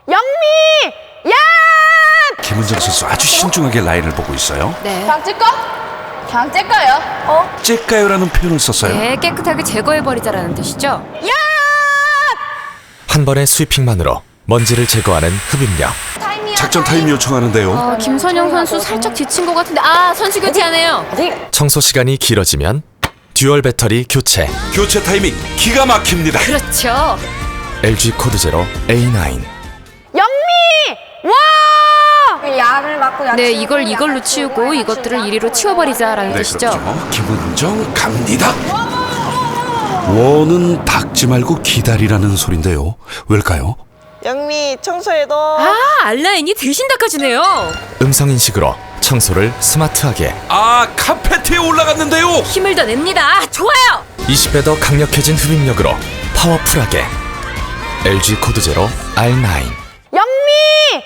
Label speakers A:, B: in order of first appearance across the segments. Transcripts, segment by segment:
A: 영미! 야!
B: 김은정 선수 아주 신중하게 라인을 보고 있어요.
C: 네.
A: 그냥 찔까? 그냥 찔까요?
B: 째까요라는 표현을 썼어요.
C: 네, 깨끗하게 제거해버리자라는 뜻이죠.
A: 야!
D: 한 번의 스위핑만으로 먼지를 제거하는 흡입력.
B: 작전 타임 요청하는데요.
C: 김선영 선수 살짝 지친 것 같은데 선수 교체하네요.
D: 청소 시간이 길어지면 듀얼 배터리 교체.
B: 교체 타이밍 기가 막힙니다.
C: 그렇죠.
D: LG 코드 제로 A9.
A: 영미! 와!
E: 약을 맞고
C: 네, 이걸로 치우고 이것들을 이리로 치워버리자라는
B: 네,
C: 뜻이죠.
B: 그렇죠. 김은정 갑니다. 원은 닦지 말고 기다리라는 소린데요. 왜일까요?
E: 영미 청소해도
C: 알라인이 대신 닦아주네요.
D: 음성인식으로 청소를 스마트하게.
B: 카페트에 올라갔는데요.
C: 힘을 더 냅니다. 좋아요.
D: 20배 더 강력해진 흡입력으로 파워풀하게. LG 코드 제로 R9.
A: 영미!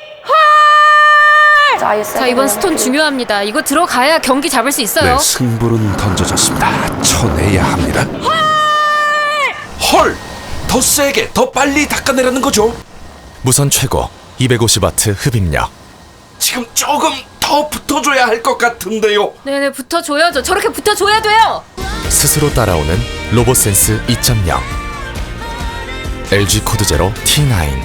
C: 자, 이번 스톤 중요합니다. 이거 들어가야 경기 잡을 수 있어요.
B: 네, 승부는 던져졌습니다. 쳐내야 합니다. 헐! 더 세게, 더 빨리 닦아내라는 거죠.
D: 무선 최고 250W 흡입력.
B: 지금 조금 더 붙어줘야 할 것 같은데요.
C: 네네, 붙어줘야죠. 저렇게 붙어줘야 돼요.
D: 스스로 따라오는 로봇센스 2.0. LG 코드 제로 T9.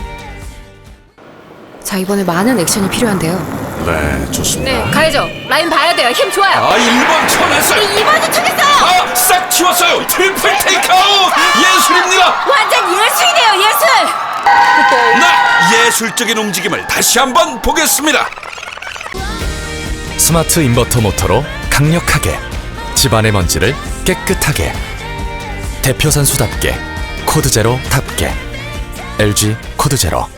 C: 자, 이번에 많은 액션이 필요한데요.
B: 네, 좋습니다.
C: 네, 가야죠. 라인 봐야 돼요. 힘 좋아요.
B: 1번 쳐냈어요.
C: 2번도 쳐냈어요.
B: 싹 치웠어요. 트리플 테이크아웃. 예술입니다.
C: 완전 예술이네요, 예술.
B: 예술적인 움직임을 다시 한번 보겠습니다.
D: 스마트 인버터 모터로 강력하게. 집안의 먼지를 깨끗하게. 대표 선수답게 코드 제로답게. LG 코드 제로.